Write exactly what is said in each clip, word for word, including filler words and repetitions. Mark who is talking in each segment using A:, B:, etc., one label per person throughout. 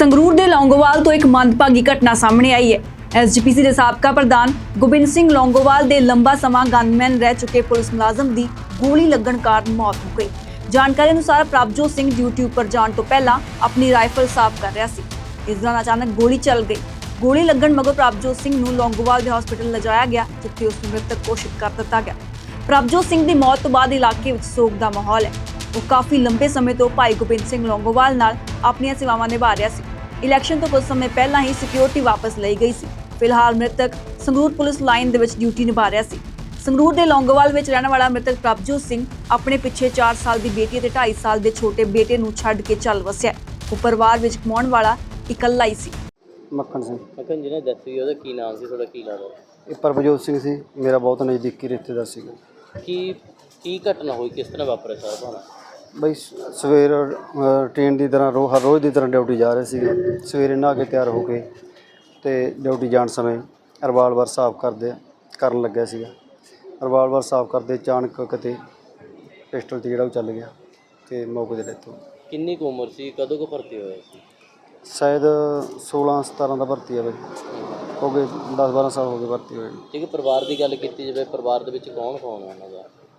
A: ਸੰਗਰੂਰ ਦੇ ਲੌਂਗੋਵਾਲ ਤੋਂ ਇੱਕ ਮੰਦਭਾਗੀ ਘਟਨਾ ਸਾਹਮਣੇ ਆਈ ਹੈ। ਐਸਜੀਪੀਸੀ ਦੇ ਸਾਬਕਾ ਪ੍ਰਧਾਨ ਗੋਬਿੰਦ ਸਿੰਘ ਲੌਂਗੋਵਾਲ ਦੇ ਲੰਬਾ ਸਮਾਂ ਗਨਮੈਨ ਰਹਿ ਚੁੱਕੇ ਪੁਲਿਸ ਮੁਲਾਜ਼ਮ ਦੀ ਗੋਲੀ ਲੱਗਣ ਕਾਰਨ ਮੌਤ ਹੋ ਗਈ। ਜਾਣਕਾਰੀ ਅਨੁਸਾਰ ਪ੍ਰਭਜੋਤ ਸਿੰਘ ਡਿਊਟੀ ਉੱਪਰ ਜਾਣ ਤੋਂ ਪਹਿਲਾਂ ਆਪਣੀ ਰਾਈਫਲ ਸਾਫ਼ ਕਰ ਰਿਹਾ ਸੀ। ਇਸ ਦੌਰਾਨ ਅਚਾਨਕ ਗੋਲੀ ਚੱਲ ਗਈ। ਗੋਲੀ ਲੱਗਣ ਮਗਰੋਂ ਪ੍ਰਭਜੋਤ ਸਿੰਘ ਨੂੰ ਲੌਂਗੋਵਾਲ ਦੇ ਹਸਪਤਾਲ ਲਿਜਾਇਆ ਗਿਆ, ਜਿੱਥੇ ਉਸ ਨੂੰ ਮ੍ਰਿਤਕ ਘੋਸ਼ਿਤ ਕਰ ਦਿੱਤਾ ਗਿਆ। ਪ੍ਰਭਜੋਤ ਸਿੰਘ ਦੀ ਮੌਤ ਤੋਂ ਬਾਅਦ ਇਲਾਕੇ ਵਿੱਚ ਸੋਗ ਦਾ ਮਾਹੌਲ ਹੈ। ਉਹ ਕਾਫੀ ਲੰਬੇ ਸਮੇਂ ਤੋਂ ਭਾਈ ਗੋਬਿੰਦ ਸਿੰਘ ਲੌਂਗੋਵਾਲ ਨਾਲ ਆਪਣੀਆਂ ਸੇਵਾਵਾਂ ਨਿਭਾ ਰਿਹਾ ਸੀ। ਇਲੈਕਸ਼ਨ ਤੋਂ ਕੁਝ ਸਮੇਂ ਪਹਿਲਾਂ ਹੀ ਸਿਕਿਉਰਿਟੀ ਵਾਪਸ ਲਈ ਗਈ ਸੀ। ਫਿਲਹਾਲ ਮ੍ਰਿਤਕ ਸੰਗਰੂਰ ਪੁਲਿਸ ਲਾਈਨ ਦੇ ਵਿੱਚ ਡਿਊਟੀ ਨਿਭਾ ਰਿਹਾ ਸੀ। ਸੰਗਰੂਰ ਦੇ ਲੌਂਗੋਵਾਲ ਵਿੱਚ ਰਹਿਣ ਵਾਲਾ ਮ੍ਰਿਤਕ ਪ੍ਰਭਜੋਤ ਸਿੰਘ ਆਪਣੇ ਪਿੱਛੇ ਚਾਰ ਸਾਲ ਦੀ ਬੇਟੀ ਅਤੇ ਢਾਈ ਸਾਲ ਦੇ ਛੋਟੇ ਬੇਟੇ ਨੂੰ ਛੱਡ ਕੇ ਚੱਲ ਵਸਿਆ। ਉਹ ਪਰਿਵਾਰ ਵਿੱਚ ਕਮਾਉਣ ਵਾਲਾ ਇਕੱਲਾ ਹੀ ਸੀ।
B: ਮੱਖਣ ਸਿੰਘ
C: ਮੱਖਣ ਜਿਹਨੇ ਡੈਥ ਹੋਈ ਉਹਦਾ ਕੀ ਨਾਮ ਸੀ, ਤੁਹਾਡਾ ਕੀ ਲੱਗਦਾ?
B: ਇਹ ਪ੍ਰਭਜੋਤ ਸਿੰਘ ਸੀ, ਮੇਰਾ ਬਹੁਤ ਨਜ਼ਦੀਕੀ ਰਿਸ਼ਤੇਦਾਰ ਸੀਗਾ।
C: ਕੀ ਕੀ ਘਟਨਾ ਹੋਈ, ਕਿਸ ਤਰ੍ਹਾਂ ਵਾਪਰਿਆ ਸਾਰਾ ਭਾਣਾ?
B: ਬਈ ਸਵੇਰ ਟ੍ਰੇਨ ਦੀ ਤਰ੍ਹਾਂ ਰੋ ਹਰ ਰੋਜ਼ ਦੀ ਤਰ੍ਹਾਂ ਡਿਊਟੀ ਜਾ ਰਹੇ ਸੀਗੇ। ਸਵੇਰੇ ਨਹਾ ਕੇ ਤਿਆਰ ਹੋ ਕੇ ਤੇ ਡਿਊਟੀ ਜਾਣ ਸਮੇਂ ਰਿਵਾਲਵਰ ਸਾਫ਼ ਕਰਦੇ ਕਰਨ ਲੱਗਿਆ ਸੀਗਾ। ਰਿਵਾਲਵਰ ਸਾਫ਼ ਕਰਦੇ ਅਚਾਨਕ ਕਿਤੇ ਪਿਸਟਲ ਤੇ ਜਿਹੜਾ ਉਹ ਚੱਲ ਗਿਆ ਤੇ ਮੌਕੇ 'ਤੇ ਡੈਥ ਹੋ ਗਈ।
C: ਕਿੰਨੀ ਕੁ ਉਮਰ ਸੀ, ਕਦੋਂ ਕੁ ਭਰਤੀ ਹੋਇਆ ਸੀ?
B: ਸ਼ਾਇਦ ਸੋਲਾਂ ਸਤਾਰਾਂ ਦਾ ਭਰਤੀ ਆ ਬਈ, ਹੋ ਗਏ ਦਸ ਬਾਰਾਂ ਸਾਲ ਹੋ ਗਏ ਭਰਤੀ ਹੋਏ।
C: ਠੀਕ ਹੈ, ਪਰਿਵਾਰ ਦੀ ਗੱਲ ਕੀਤੀ ਜਾਵੇ, ਪਰਿਵਾਰ ਦੇ ਵਿੱਚ ਕੌਣ ਕੌਣ ਹੈ ਉਹਨਾਂ ਦਾ?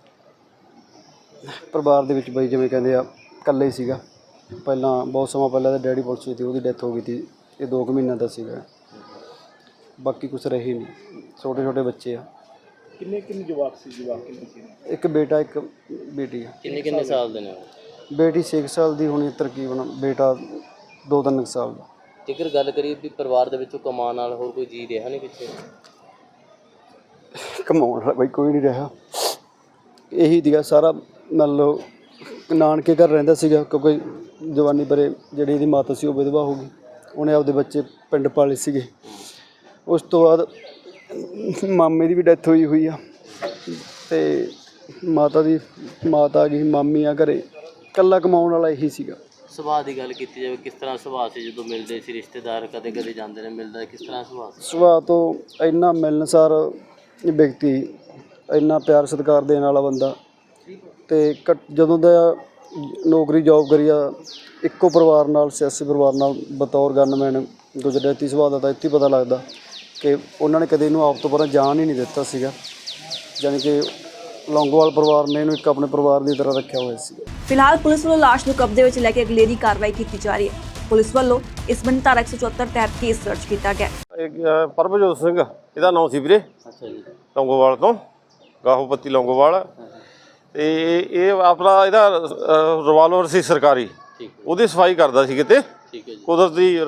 B: ਪਰਿਵਾਰ ਦੇ ਵਿੱਚ ਬਈ ਜਿਵੇਂ ਕਹਿੰਦੇ ਆ ਇਕੱਲੇ ਹੀ ਸੀਗਾ। ਪਹਿਲਾਂ ਬਹੁਤ ਸਮਾਂ ਪਹਿਲਾਂ ਤਾਂ ਡੈਡੀ ਪੁਲਿਸ ਵਿੱਚ ਸੀ, ਉਹਦੀ ਡੈਥ ਹੋ ਗਈ ਸੀ। ਇਹ ਦੋ ਕੁ ਮਹੀਨਿਆਂ ਦਾ ਸੀਗਾ। ਬਾਕੀ ਕੁਛ ਰਹੇ ਨਹੀਂ, ਛੋਟੇ ਛੋਟੇ ਬੱਚੇ ਆ।
D: ਕਿੰਨੇ ਕਿੰਨੇ ਜਵਾਕ ਸੀ? ਜਵਾਕ ਕਿੰਨੇ ਸੀ?
B: ਇੱਕ ਬੇਟਾ ਇੱਕ ਬੇਟੀ ਆ।
C: ਕਿੰਨੇ ਕਿੰਨੇ ਸਾਲ ਦੇ ਨੇ ਉਹ?
B: ਬੇਟੀ ਛੇ ਸਾਲ ਦੀ ਹੋਣੀ ਤਕਰੀਬਨ, ਬੇਟਾ ਦੋ ਤਿੰਨ ਸਾਲ ਦਾ।
C: ਜੇਕਰ ਗੱਲ ਕਰੀਏ ਵੀ ਪਰਿਵਾਰ ਦੇ ਵਿੱਚੋਂ ਕਮਾਉਣ ਨਾਲ ਹੋਰ ਕੋਈ ਜੀ ਰਿਹਾ ਨਹੀਂ ਪਿੱਛੇ?
B: ਕਮਾਉਣ ਵਾਲਾ ਬਈ ਕੋਈ ਨਹੀਂ ਰਿਹਾ। ਇਹੀ ਸੀਗਾ ਸਾਰਾ। ਮੰਨ ਲਓ ਨਾਨਕੇ ਘਰ ਰਹਿੰਦਾ ਸੀਗਾ, ਕਿਉਂਕਿ ਜਵਾਨੀ ਪਰੇ ਜਿਹੜੀ ਇਹਦੀ ਮਾਤਾ ਸੀ ਉਹ ਵਿਧਵਾ ਹੋ ਗਈ। ਉਹਨੇ ਆਪਦੇ ਬੱਚੇ ਪਿੰਡ ਪਾਲੇ ਸੀਗੇ। ਉਸ ਤੋਂ ਬਾਅਦ ਮਾਮੇ ਦੀ ਵੀ ਡੈਥ ਹੋਈ ਹੋਈ ਆ ਤੇ ਮਾਤਾ ਦੀ ਮਾਤਾ ਆ ਗਈ, ਮਾਮੀ ਆ ਘਰੇ। ਇਕੱਲਾ ਕਮਾਉਣ ਵਾਲਾ ਇਹੀ ਸੀਗਾ।
C: ਸੁਭਾਅ ਦੀ ਗੱਲ ਕੀਤੀ ਜਾਵੇ, ਕਿਸ ਤਰ੍ਹਾਂ ਸੁਭਾਅ ਸੀ? ਜਦੋਂ ਮਿਲਦੇ ਸੀ ਰਿਸ਼ਤੇਦਾਰ, ਕਦੇ ਕਦੇ ਜਾਂਦੇ ਨੇ, ਮਿਲਦਾ ਕਿਸ ਤਰ੍ਹਾਂ ਸੁਭਾਅ ਸੀ?
B: ਸੁਭਾਅ ਤੋਂ ਇੰਨਾ ਮਿਲਣਸਾਰ ਵਿਅਕਤੀ, ਇੰਨਾ ਪਿਆਰ ਸਤਿਕਾਰ ਦੇਣ ਵਾਲਾ ਬੰਦਾ। ਤੇ ਜਦੋਂ ਦਾ ਨੌਕਰੀ ਜੋਬ ਕਰੀ ਆ ਇੱਕੋ ਪਰਿਵਾਰ ਨਾਲ, ਸਿਆਸੀ ਪਰਿਵਾਰ ਨਾਲ ਬਤੌਰ ਗਨਮੈਨ ਗੁਜਰਾਤੀ ਸੁਭਾਅ ਦਾ, ਤਾਂ ਇੱਥੇ ਪਤਾ ਲੱਗਦਾ ਕਿ ਉਹਨਾਂ ਨੇ ਕਦੇ ਇਹਨੂੰ ਆਪ ਤੋਂ ਪਰਾਂ ਜਾਣ ਹੀ ਨਹੀਂ ਦਿੱਤਾ ਸੀਗਾ। ਜਾਣੀ ਕਿ ਲੌਂਗੋਵਾਲ ਪਰਿਵਾਰ ਨੇ ਇਹਨੂੰ ਇੱਕ ਆਪਣੇ ਪਰਿਵਾਰ ਦੀ ਤਰ੍ਹਾਂ ਰੱਖਿਆ ਹੋਇਆ ਸੀ।
A: ਫਿਲਹਾਲ ਪੁਲਿਸ ਵੱਲੋਂ ਲਾਸ਼ ਨੂੰ ਕਬਜ਼ੇ ਵਿੱਚ ਲੈ ਕੇ ਅਗਲੇਰੀ ਕਾਰਵਾਈ ਕੀਤੀ ਜਾ ਰਹੀ ਹੈ। ਪੁਲਿਸ ਵੱਲੋਂ ਇਸ ਬੰਦੀ ਧਾਰਾ ਇੱਕ ਸੌ ਚੁਹੱਤਰ ਤਹਿਤ ਕੇਸ ਦਰਜ ਕੀਤਾ ਗਿਆ।
E: ਪ੍ਰਭਜੋਤ ਸਿੰਘ ਇਹਦਾ ਨਾਮ ਸੀ ਵੀਰੇ।
C: ਅੱਛਾ ਜੀ।
E: ਲੌਂਗੋਵਾਲ ਤੋਂ, ਗਾਹੋਪੱਤੀ ਲੌਂਗੋਵਾਲ। ਤੇ ਇਹ ਆਪਣਾ ਇਹਦਾ ਰਿਵਾਲਵਰ ਸੀ ਸਰਕਾਰੀ, ਉਹਦੀ ਸਫਾਈ ਕਰਦਾ ਸੀ ਕਿਤੇ।
C: ਠੀਕ ਹੈ ਜੀ।
E: ਕੁਦਰਤੀ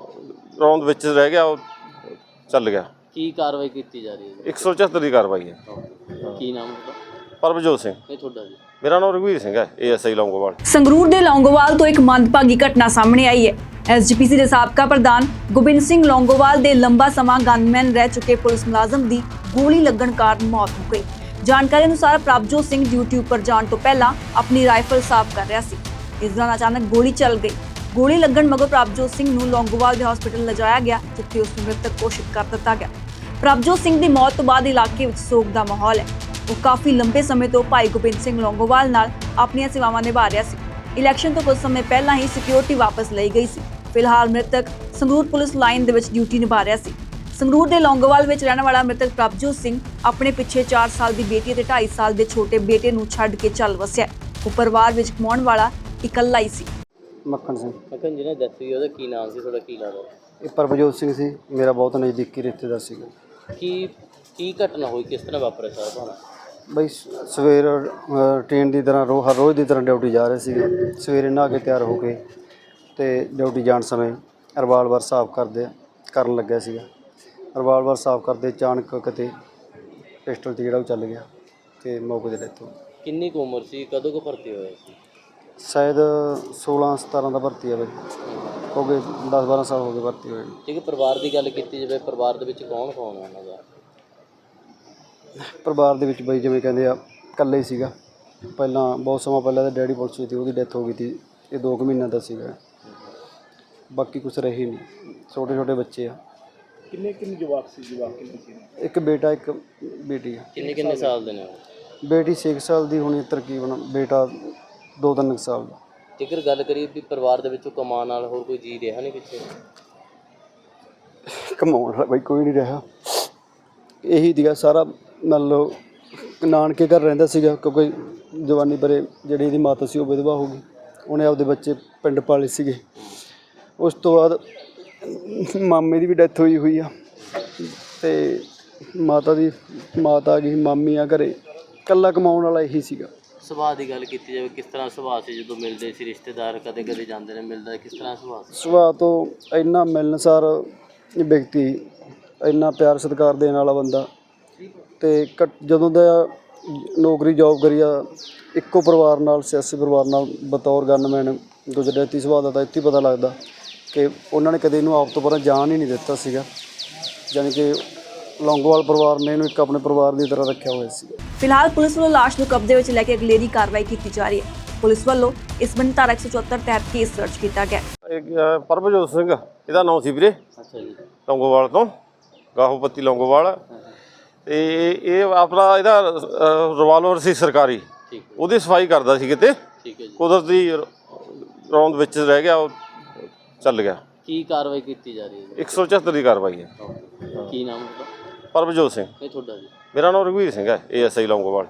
E: ਰੌਂਦ ਵਿੱਚ ਰਹਿ ਗਿਆ, ਉਹ ਚੱਲ ਗਿਆ।
C: ਕੀ ਕਾਰਵਾਈ ਕੀਤੀ ਜਾ ਰਹੀ ਹੈ?
E: ਇੱਕ ਸੌ ਚੁਹੱਤਰ ਦੀ ਕਾਰਵਾਈ ਹੈ।
C: ਕੀ ਨਾਮ ਹੈ?
E: ਪ੍ਰਭਜੋਤ ਸਿੰਘ।
C: ਇਹ ਤੁਹਾਡਾ ਜੀ?
E: ਮੇਰਾ ਨਾਮ ਰਘਵੀਰ ਸਿੰਘ ਹੈ, ਏਐਸਆਈ ਲੌਂਗੋਵਾਲ।
A: ਸੰਗਰੂਰ ਦੇ ਲੌਂਗੋਵਾਲ ਤੋਂ ਇੱਕ ਮੰਦਭਾਗੀ ਘਟਨਾ ਸਾਹਮਣੇ ਆਈ ਹੈ। ਐਸਜੀਪੀਸੀ ਦੇ ਸਾਬਕਾ ਪ੍ਰਧਾਨ ਗੋਬਿੰਦ ਸਿੰਘ ਲੌਂਗੋਵਾਲ ਦੇ ਲੰਬਾ ਸਮਾਂ ਗਨਮੈਨ ਰਹਿ ਚੁੱਕੇ ਪੁਲਿਸ ਮੁਲਾਜ਼ਮ ਦੀ ਗੋਲੀ ਲੱਗਣ ਕਾਰਨ ਮੌਤ ਹੋ ਗਈ। ਜਾਣਕਾਰੀ ਅਨੁਸਾਰ ਪ੍ਰਭਜੋਤ ਸਿੰਘ ਡਿਊਟੀ ਉੱਪਰ ਜਾਣ ਤੋਂ ਪਹਿਲਾਂ ਆਪਣੀ ਰਾਈਫਲ ਸਾਫ਼ ਕਰ ਰਿਹਾ ਸੀ। ਇਸ ਦੌਰਾਨ ਅਚਾਨਕ ਗੋਲੀ ਚੱਲ ਗਈ। ਗੋਲੀ ਲੱਗਣ ਮਗਰੋਂ ਪ੍ਰਭਜੋਤ ਸਿੰਘ ਨੂੰ ਲੌਂਗੋਵਾਲ ਦੇ ਹਸਪਤਾਲ ਲਿਜਾਇਆ ਗਿਆ, ਜਿੱਥੇ ਉਸ ਨੂੰ ਮ੍ਰਿਤਕ ਘੋਸ਼ਿਤ ਕਰ ਦਿੱਤਾ ਗਿਆ। ਪ੍ਰਭਜੋਤ ਸਿੰਘ ਦੀ ਮੌਤ ਤੋਂ ਬਾਅਦ ਇਲਾਕੇ ਵਿੱਚ ਸੋਗ ਦਾ ਮਾਹੌਲ ਹੈ। ਉਹ ਕਾਫੀ ਲੰਬੇ ਸਮੇਂ ਤੋਂ ਭਾਈ ਗੋਬਿੰਦ ਸਿੰਘ ਲੌਂਗੋਵਾਲ ਨਾਲ ਆਪਣੀਆਂ ਸੇਵਾਵਾਂ ਨਿਭਾ ਰਿਹਾ ਸੀ। ਇਲੈਕਸ਼ਨ ਤੋਂ ਕੁਝ ਸਮੇਂ ਪਹਿਲਾਂ ਹੀ ਸਿਕਿਉਰਿਟੀ ਵਾਪਸ ਲਈ ਗਈ ਸੀ। ਫਿਲਹਾਲ ਮ੍ਰਿਤਕ ਸੰਗਰੂਰ ਪੁਲਿਸ ਲਾਈਨ ਦੇ ਵਿੱਚ ਡਿਊਟੀ ਨਿਭਾ ਰਿਹਾ ਸੀ। ਸੰਗਰੂਰ ਦੇ ਲੌਂਗੋਵਾਲ ਵਿੱਚ ਰਹਿਣ ਵਾਲਾ ਮ੍ਰਿਤਕ ਪ੍ਰਭਜੋਤ ਸਿੰਘ ਆਪਣੇ ਪਿੱਛੇ ਚਾਰ ਸਾਲ ਦੀ ਬੇਟੀ ਅਤੇ ਢਾਈ ਸਾਲ ਦੇ ਛੋਟੇ ਬੇਟੇ ਨੂੰ ਛੱਡ ਕੇ ਚੱਲ ਵਸਿਆ। ਉਹ ਪਰਿਵਾਰ ਵਿੱਚ ਕਮਾਉਣ ਵਾਲਾ ਇਕੱਲਾ ਹੀ ਸੀ।
B: ਮੱਖਣ ਸਿੰਘ।
C: ਮੱਖਣ ਜਿਹਨੇ ਡੈਥ ਹੋਈ ਉਹਦਾ ਕੀ ਨਾਮ ਸੀ, ਤੁਹਾਡਾ ਕੀ ਲੱਗਦਾ?
B: ਇਹ ਪ੍ਰਭਜੋਤ ਸਿੰਘ ਸੀ, ਮੇਰਾ ਬਹੁਤ ਨਜ਼ਦੀਕੀ ਰਿਸ਼ਤੇਦਾਰ ਸੀਗਾ।
C: ਕੀ ਕੀ ਘਟਨਾ ਹੋਈ, ਕਿਸ ਤਰ੍ਹਾਂ ਵਾਪਰਿਆ ਸਾਰਾ ਭਾਣਾ?
B: ਬਈ ਸਵੇਰ ਟ੍ਰੇਨ ਦੀ ਤਰ੍ਹਾਂ ਰੋ ਹਰ ਰੋਜ਼ ਦੀ ਤਰ੍ਹਾਂ ਡਿਊਟੀ ਜਾ ਰਹੇ ਸੀਗੇ। ਸਵੇਰੇ ਨਹਾ ਕੇ ਤਿਆਰ ਹੋ ਕੇ ਤੇ ਡਿਊਟੀ ਜਾਣ ਸਮੇਂ ਰਿਵਾਲਵਰ ਸਾਫ਼ ਕਰਦੇ ਕਰਨ ਲੱਗਿਆ ਸੀਗਾ। ਰਿਵਾਲਵਰ ਸਾਫ਼ ਕਰਦੇ ਅਚਾਨਕ ਕਿਤੇ ਪਿਸਟਲ ਤੇ ਜਿਹੜਾ ਉਹ ਚੱਲ ਗਿਆ ਤੇ ਮੌਕੇ 'ਤੇ ਡੈਥ ਹੋ ਗਈ।
C: ਕਿੰਨੀ ਕੁ ਉਮਰ ਸੀ, ਕਦੋਂ ਕੁ ਭਰਤੀ ਹੋਇਆ ਸੀ?
B: ਸ਼ਾਇਦ ਸੋਲਾਂ ਸਤਾਰਾਂ ਦਾ ਭਰਤੀ ਆ ਬਈ, ਹੋ ਗਏ ਦਸ ਬਾਰਾਂ ਸਾਲ ਹੋ ਗਏ ਭਰਤੀ ਹੋਏ।
C: ਠੀਕ ਹੈ, ਪਰਿਵਾਰ ਦੀ ਗੱਲ ਕੀਤੀ ਜਾਵੇ, ਪਰਿਵਾਰ ਦੇ ਵਿੱਚ ਕੌਣ ਕੌਣ ਹੈ ਉਹਨਾਂ ਦਾ?
B: ਪਰਿਵਾਰ ਦੇ ਵਿੱਚ ਬਈ ਜਿਵੇਂ ਕਹਿੰਦੇ ਆ ਇਕੱਲੇ ਹੀ ਸੀਗਾ। ਪਹਿਲਾਂ ਬਹੁਤ ਸਮਾਂ ਪਹਿਲਾਂ ਤਾਂ ਡੈਡੀ ਪੁਲਿਸ ਵਿੱਚ ਸੀ, ਉਹਦੀ ਡੈਥ ਹੋ ਗਈ ਸੀ। ਇਹ ਦੋ ਕੁ ਮਹੀਨਿਆਂ ਦਾ ਸੀਗਾ। ਬਾਕੀ ਕੁਛ ਰਹੇ ਨਹੀਂ, ਛੋਟੇ ਛੋਟੇ ਬੱਚੇ ਆ।
D: ਕਿੰਨੇ ਕਿੰਨੇ ਜਵਾਕ ਸੀ? ਜਵਾਕ ਕਿੰਨੇ ਸੀ?
B: ਇੱਕ ਬੇਟਾ ਇੱਕ ਬੇਟੀ ਆ।
C: ਕਿੰਨੇ ਕਿੰਨੇ ਸਾਲ ਦੇ ਨੇ ਉਹ?
B: ਬੇਟੀ ਛੇ ਸਾਲ ਦੀ ਹੋਣੀ ਤਕਰੀਬਨ, ਬੇਟਾ ਦੋ ਤਿੰਨ ਸਾਲ ਦਾ।
C: ਜੇਕਰ ਗੱਲ ਕਰੀਏ ਵੀ ਪਰਿਵਾਰ ਦੇ ਵਿੱਚੋਂ ਕਮਾਉਣ ਨਾਲ ਹੋਰ ਕੋਈ ਜੀ ਰਿਹਾ ਨਹੀਂ ਪਿੱਛੇ?
B: ਕਮਾਉਣ ਵਾਲਾ ਬਾਈ ਕੋਈ ਨਹੀਂ ਰਿਹਾ। ਇਹੀ ਦੀਗਾ ਸਾਰਾ ਮੰਨ ਲਓ ਨਾਨਕੇ ਘਰ ਰਹਿੰਦਾ ਸੀਗਾ, ਕਿਉਂਕਿ ਜਵਾਨੀ ਪਰੇ ਜਿਹੜੀ ਇਹਦੀ ਮਾਤਾ ਸੀ ਉਹ ਵਿਧਵਾ ਹੋ ਗਈ। ਉਹਨੇ ਆਪਦੇ ਬੱਚੇ ਪਿੰਡ ਪਾਲੇ ਸੀਗੇ। ਉਸ ਤੋਂ ਬਾਅਦ ਮਾਮੇ ਦੀ ਵੀ ਡੈਥ ਹੋਈ ਹੋਈ ਆ ਤੇ ਮਾਤਾ ਦੀ ਮਾਤਾ ਆ ਗਈ, ਮਾਮੀ ਆ ਘਰੇ। ਇਕੱਲਾ ਕਮਾਉਣ ਵਾਲਾ ਇਹੀ ਸੀਗਾ।
C: ਸੁਭਾਅ ਦੀ ਗੱਲ ਕੀਤੀ ਜਾਵੇ, ਕਿਸ ਤਰ੍ਹਾਂ ਸੁਭਾਅ ਸੀ ਜਦੋਂ ਮਿਲਦੇ ਸੀ ਰਿਸ਼ਤੇਦਾਰ, ਕਦੇ ਕਦੇ ਜਾਂਦੇ ਨੇ, ਮਿਲਦਾ ਕਿਸ ਤਰ੍ਹਾਂ ਸੁਭਾਅ ਸੀ?
B: ਸੁਭਾਅ ਤੋਂ ਇੰਨਾ ਮਿਲਣਸਾਰ ਵਿਅਕਤੀ, ਇੰਨਾ ਪਿਆਰ ਸਤਿਕਾਰ ਦੇਣ ਵਾਲਾ ਬੰਦਾ। ਤੇ ਘੱਟ- ਜਦੋਂ ਦਾ ਨੌਕਰੀ ਜੋਬ ਕਰੀ ਆ ਇੱਕੋ ਪਰਿਵਾਰ ਨਾਲ, ਸਿਆਸੀ ਪਰਿਵਾਰ ਨਾਲ ਬਤੌਰ ਗਨਮੈਨ ਗੁਜਰਾਤੀ ਸੁਭਾਅ ਦਾ ਤਾਂ ਇੱਥੇ ਹੀ ਪਤਾ ਲੱਗਦਾ ਕਿ ਉਹਨਾਂ ਨੇ ਕਦੇ ਇਹਨੂੰ ਆਪ ਤੋਂ ਪਰਾਂ ਜਾਣ ਹੀ ਨਹੀਂ ਦਿੱਤਾ ਸੀਗਾ। ਜਾਣੀ ਕਿ ਲੌਂਗੋਵਾਲ ਪਰਿਵਾਰ ਨੇ ਇਹਨੂੰ ਇੱਕ ਆਪਣੇ ਪਰਿਵਾਰ ਦੀ ਤਰ੍ਹਾਂ ਰੱਖਿਆ ਹੋਇਆ ਸੀ।
A: ਫਿਲਹਾਲ ਪੁਲਿਸ ਵੱਲੋਂ ਲਾਸ਼ ਨੂੰ ਕਬਜ਼ੇ ਵਿੱਚ ਲੈ ਕੇ ਅਗਲੇਰੀ ਕਾਰਵਾਈ ਕੀਤੀ ਜਾ ਰਹੀ ਹੈ। ਪੁਲਿਸ ਵੱਲੋਂ ਇਸ ਸੰਬੰਧੀ ਧਾਰਾ ਇੱਕ ਸੌ ਚੁਹੱਤਰ ਤਹਿਤ ਕੇਸ ਦਰਜ ਕੀਤਾ ਗਿਆ।
E: ਇਹ, ਅ, ਪਰਮਜੋਤ ਸਿੰਘ ਇਹਦਾ ਨਾਮ ਸੀ ਵੀਰੇ,
C: ਅੱਛਾ ਜੀ।
E: ਲੌਂਗੋਵਾਲ ਤੋਂ, ਗਾਹੋਪੱਤੀ ਲੌਂਗੋਵਾਲ। ਤੇ ਇਹ ਆਪਣਾ ਇਹਦਾ ਰਿਵਾਲਵਰ ਸੀ ਸਰਕਾਰੀ,
C: ਠੀਕ ਹੈ
E: ਉਹਦੀ ਸਫਾਈ ਕਰਦਾ ਸੀ ਕਿਤੇ,
C: ਠੀਕ ਹੈ ਜੀ।
E: ਕੁਦਰਤੀ ਰੌਂਦ ਵਿੱਚ ਰਹਿ ਗਿਆ, ਉਹ ਚੱਲ ਗਿਆ।
C: ਕੀ ਕਾਰਵਾਈ ਕੀਤੀ ਜਾ ਰਹੀ ਹੈ?
E: ਇੱਕ ਸੌ ਚੁਹੱਤਰ ਦੀ ਕਾਰਵਾਈ ਹੈ।
C: ਕੀ ਨਾਮ ਹੈ ਤੁਹਾਡਾ?
E: ਪਰਮਜੋਤ ਸਿੰਘ।
C: ਇਹ ਤੁਹਾਡਾ ਜੀ?
E: ਮੇਰਾ ਨਾਮ ਰਘਵੀਰ ਸਿੰਘ ਹੈ, ਏ ਐਸ ਆਈ ਲੌਂਗੋਵਾਲ।